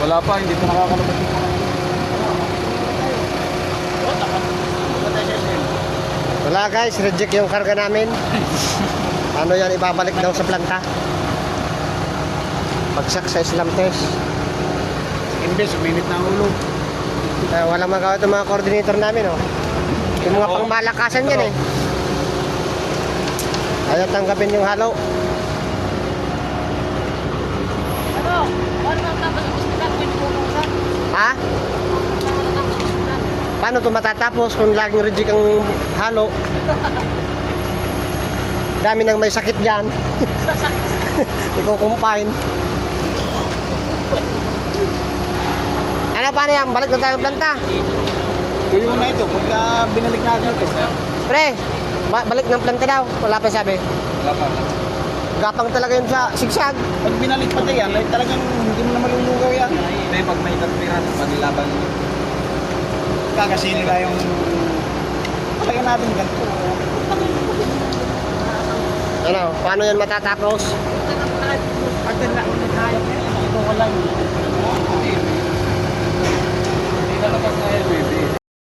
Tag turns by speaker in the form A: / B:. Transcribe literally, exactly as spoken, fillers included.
A: Wala pa, hindi pa nakakalabas.
B: Wala guys, reject yung karga namin. Ano yan, ibabalik daw sa planta. Bagsak sa Islam test.
A: Imbes, uminit na ang ulo.
B: Eh, walang magawa itong mga coordinator namin, oh. Yung mga pangmalakasan yan, eh. Ayaw tanggapin yung halo.
C: Ano? Ano ang tapos ang hospital? Pwede po kung saan?
B: Ha? Paano ito matatapos kung laging reject ang halo? Dami nang may sakit dyan. Iko-combine. Ano, paano yan? Balik na tayo ng planta.
A: Tuyo na ito, pagka binalik natin ito.
B: Pre, ba- balik ng planta daw. Wala pa sabi.
A: Wala pa.
B: Gapang talaga yun sa sigsag.
A: Pag binalik pati yan, like, talagang hindi mo na malulugaw yan. Hindi, pag may tatpiran, magilaban. Kakasili na yung... Talaga natin ganito.
B: Ano, paano yan matatapos?
C: Saan ang